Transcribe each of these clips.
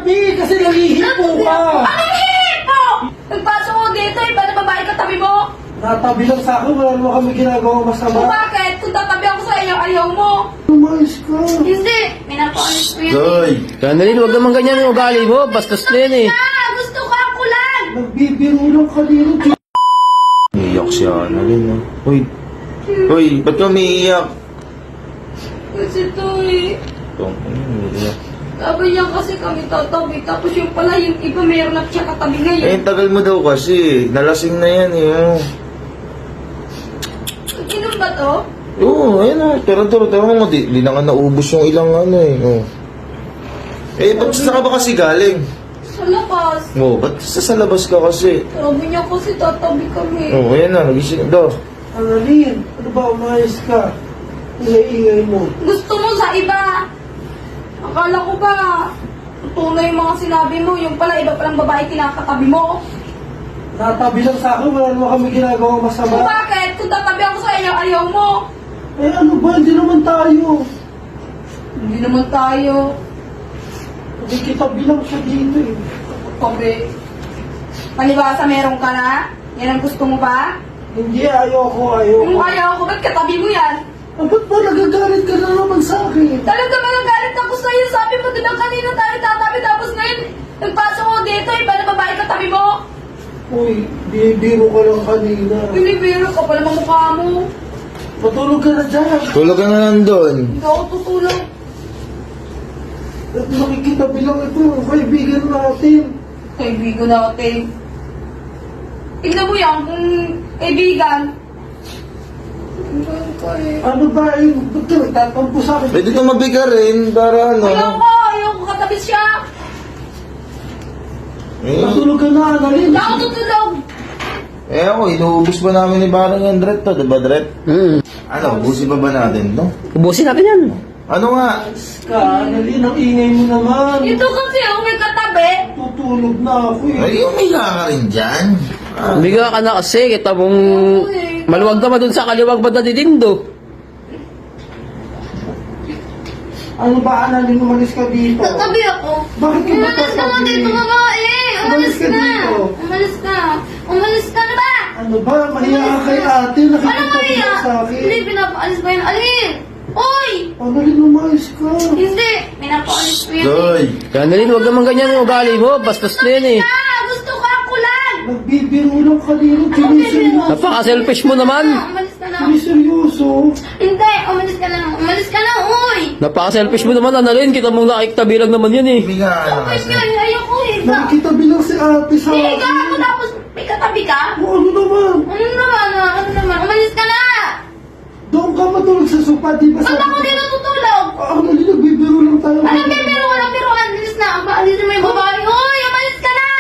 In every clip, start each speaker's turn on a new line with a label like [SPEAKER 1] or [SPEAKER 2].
[SPEAKER 1] katabi kasi nangihipo ka.
[SPEAKER 2] Ano hipo? Nagpasok ko dito, iba na babae katabi mo?
[SPEAKER 1] Natabi lang sa akin, wala naman kami ginagawa
[SPEAKER 2] O
[SPEAKER 1] masama.
[SPEAKER 2] bakit? Kung tatabi ako sa iyo, ayaw mo.
[SPEAKER 1] Umayos ka.
[SPEAKER 2] Hindi, minapaalis ko yan.
[SPEAKER 3] Doy!
[SPEAKER 4] Annalyn, huwag naman ganyan yung ugali mo. Bastos na yan eh.
[SPEAKER 2] Gusto ko ang kulan.
[SPEAKER 1] Nagbibiro lang kanino.
[SPEAKER 3] Iiyak si Annalyn, no? Uy! Uy, ba't ka umiiyak?
[SPEAKER 2] Kasi to eh.
[SPEAKER 3] Ito, umiiyak.
[SPEAKER 2] Sabi niya kasi kami tatabi, tapos yung pala yung iba meron na siya katabi
[SPEAKER 3] Eh,
[SPEAKER 2] ngayon.
[SPEAKER 3] tagal mo daw kasi. Nalasing na yan, eh. Oh.
[SPEAKER 2] Inom ba to?
[SPEAKER 3] Oo, ayun o. Tara mo. Di na nga naubos yung ilang ano eh. Oh. Eh, ba't saan ka ba kasi galing?
[SPEAKER 2] Sa labas.
[SPEAKER 3] Oh, ba't sa labas ka kasi?
[SPEAKER 2] Sabi niya kasi tatabi kami.
[SPEAKER 3] Oh, ayan na. Nagising daw.
[SPEAKER 1] Annalyn, ano ba umayos ka? Ingay-ingay mo.
[SPEAKER 2] Gusto mo sa iba. Akala ko ba, tunay yung mga sinabi mo, yung pala iba palang babae kinakatabi mo.
[SPEAKER 1] Natabi lang sa akin, wala naman kami ginagawa
[SPEAKER 2] O
[SPEAKER 1] masama.
[SPEAKER 2] bakit? Kung tatabi ako sa iyo, ayaw mo.
[SPEAKER 1] Eh ano ba, hindi naman tayo.
[SPEAKER 2] Hindi naman tayo.
[SPEAKER 1] Hindi kita bilang siya dito eh.
[SPEAKER 2] Tabi. Palibasa meron ka na? Yan ang gusto mo ba?
[SPEAKER 1] Hindi, ayoko.
[SPEAKER 2] Kung ayaw ko, ba't katabi mo yan?
[SPEAKER 1] Ah, ba't ba nagagalit ka na naman sa akin?
[SPEAKER 2] Talaga malagalit ako sa'yo. Sabi mo, diba kanina tayo tatabi, tapos ngayon, nagpasok ko dito, iba na babae katabi mo.
[SPEAKER 1] Uy, biro ka lang kanina.
[SPEAKER 2] Binibiro ka pala ng mukha mo.
[SPEAKER 1] Matulog ka na dyan.
[SPEAKER 3] Tulog ka na lang doon.
[SPEAKER 2] Hindi ako tutulog.
[SPEAKER 1] At makikita bilang ito, kaibigan natin.
[SPEAKER 2] Kaibigan natin. Tignan mo yan, kung kaibigan.
[SPEAKER 1] Ano ba, ba't ka nagtatampo sa akin?
[SPEAKER 3] Pwede tumabi ka rin para ano.
[SPEAKER 2] Ayaw ko katabi siya.
[SPEAKER 3] Eh,
[SPEAKER 1] Matulog ka na, Annalyn.
[SPEAKER 2] Hindi ako tutulog.
[SPEAKER 3] ako, inuubos pa namin ni Barang yung Dret to, diba Dret? Ano, ubusin pa ba natin, no?
[SPEAKER 4] Ubusin natin yan.
[SPEAKER 3] Ano nga?
[SPEAKER 1] Ka, Annalyn, ang ingay mo naman.
[SPEAKER 2] Ito kasi ako may katabi.
[SPEAKER 1] Tutulog na ako eh.
[SPEAKER 3] Ay, umiga ka rin dyan. Ah,
[SPEAKER 4] Biga ka na kasi. Kita mong maluwag naman dun sa kaliwag ba na didindo.
[SPEAKER 1] Ano ba, Annalyn, umalis ka dito?
[SPEAKER 2] Katabi ako.
[SPEAKER 1] Bakit ka ba
[SPEAKER 2] Umalis ka nga
[SPEAKER 1] tatabi?
[SPEAKER 2] dito, babae.
[SPEAKER 1] Umalis ka dito.
[SPEAKER 2] Umalis ka. Umalis ka na ba?
[SPEAKER 1] Ano ba, mahiya ka kay ate,
[SPEAKER 2] Ano
[SPEAKER 1] nakikita
[SPEAKER 2] Maria?
[SPEAKER 1] ka sa akin.
[SPEAKER 2] Hindi, pinapaalis ba yun? Alin? Uy!
[SPEAKER 1] Annalyn, umayos ka.
[SPEAKER 2] Hindi, pinapaalis ko yan.
[SPEAKER 3] Doy!
[SPEAKER 4] Annalyn, huwag naman ganyan yung ugali mo. Bastos na yan eh.
[SPEAKER 2] Gusto ko ang kulan.
[SPEAKER 1] Nagbibiro lang kanino, siniseryoso.
[SPEAKER 4] Napaka-selfish mo naman.
[SPEAKER 2] Umalis ka na.
[SPEAKER 1] Siniseryoso.
[SPEAKER 2] Hindi, umalis ka na. Umalis ka na, uy!
[SPEAKER 4] Napaka-selfish mo naman, Annalyn. Kita mong nakikitabi lang naman yan eh.
[SPEAKER 3] Umiga ka na
[SPEAKER 2] Umalis
[SPEAKER 3] kasi.
[SPEAKER 2] ka na, ayoko eh.
[SPEAKER 1] Nakikita bilang si ate sa
[SPEAKER 2] Higa
[SPEAKER 1] akin.
[SPEAKER 2] ako tapos may katabi ka?
[SPEAKER 1] O, ano naman?
[SPEAKER 2] Ano naman? Umalis ka na!
[SPEAKER 1] Doon ka matulog sa sopa, di ba
[SPEAKER 2] Ba't ako dito tutulog?
[SPEAKER 1] Annalyn, nagbibiro lang tayo.
[SPEAKER 2] Anong bibiro? Walang biro. Alis na. Alis na may babae. Uy, umalis ka na!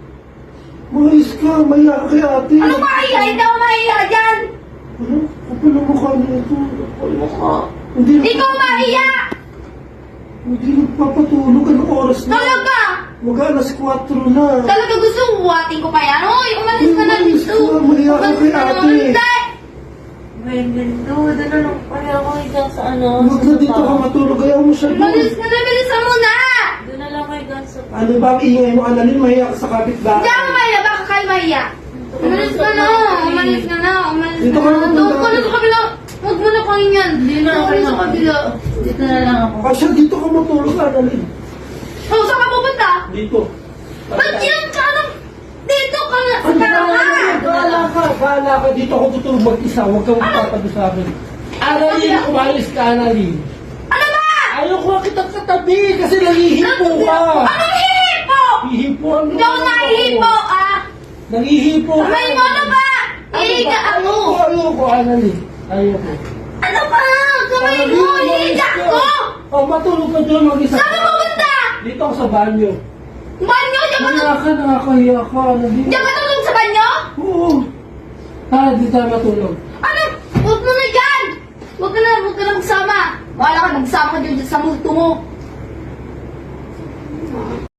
[SPEAKER 1] Umayos ka, mahiya ka kay ate.
[SPEAKER 2] Ano mahiya? Hindi ako mahiya dyan!
[SPEAKER 1] Ano? Kapal ang mukha niya ito. Hindi na-
[SPEAKER 2] Ikaw mahiya!
[SPEAKER 1] Hindi nagpapatulog. Anong oras na?
[SPEAKER 2] Talaga!
[SPEAKER 1] Mag-alas 4 na.
[SPEAKER 2] Talaga gusto buhatin ko pa yan. Uy, umalis ka na
[SPEAKER 1] Umalis
[SPEAKER 2] dito.
[SPEAKER 1] ka, mahiya ka kay
[SPEAKER 2] na.
[SPEAKER 1] ate.
[SPEAKER 2] Hindi!
[SPEAKER 5] Bendo, doon na lang kaya ako higa sa ano,
[SPEAKER 1] Huwag na dito ka matulog. Ayaw mo siya
[SPEAKER 2] Umalis
[SPEAKER 1] doon.
[SPEAKER 2] ka na. Bilisan mo na!
[SPEAKER 5] doon na lang higa sa
[SPEAKER 1] Ano ba ang ingay mo, Annalyn? Mahiya ka sa kapitbahay.
[SPEAKER 2] Hindi ako mahiya. Baka kayo mahiya. Umalis ka na. Umalis ka na. Umalis
[SPEAKER 1] Dito
[SPEAKER 2] ka
[SPEAKER 1] ka
[SPEAKER 2] na.
[SPEAKER 1] na,
[SPEAKER 2] Doon ka na sa kabila. Huwag mo na kain yan.
[SPEAKER 5] Hindi na
[SPEAKER 2] Doon ka
[SPEAKER 5] okay
[SPEAKER 2] na sa
[SPEAKER 5] na.
[SPEAKER 2] kabila.
[SPEAKER 5] Dito na lang ako.
[SPEAKER 1] Asya, dito ka matulog, Annalyn.
[SPEAKER 2] Oh, saan ka pupunta?
[SPEAKER 1] Dito.
[SPEAKER 2] Ba't yan ka? Dito ka na.
[SPEAKER 1] Ano
[SPEAKER 2] Tara ka.
[SPEAKER 1] Bahala ka. Dito ako tutulog mag-isa. Huwag kang magtatabi sa akin. Annalyn, umalis ka, Annalyn.
[SPEAKER 2] Ano ba?
[SPEAKER 1] Ayaw ko kitang katabi kasi nangihipo ka.
[SPEAKER 2] Anong hihipo?
[SPEAKER 1] Hihipo ang
[SPEAKER 2] Hindi ako nahihipo, ah.
[SPEAKER 1] Nangihipo ka.
[SPEAKER 2] Kamay mo na ba? Hihiga ako.
[SPEAKER 1] Ayoko, Annalyn. Ayoko.
[SPEAKER 2] Ano ba? Kamay mo, hihiga ako.
[SPEAKER 1] Oh, matulog ka doon mag-isa.
[SPEAKER 2] Saan ka pupunta?
[SPEAKER 1] Dito ako sa banyo.
[SPEAKER 2] Banyo? Diyan ka
[SPEAKER 1] Kaya ka, nakakahiya ka, Annalyn.
[SPEAKER 2] Diyan ka tulog sa banyo?
[SPEAKER 1] Oo. Tara, dito tayo matulog.
[SPEAKER 2] Ano? Huwag mo na dyan! Huwag ka na magsama. Bahala ka, magsama ka dyan sa multo mo.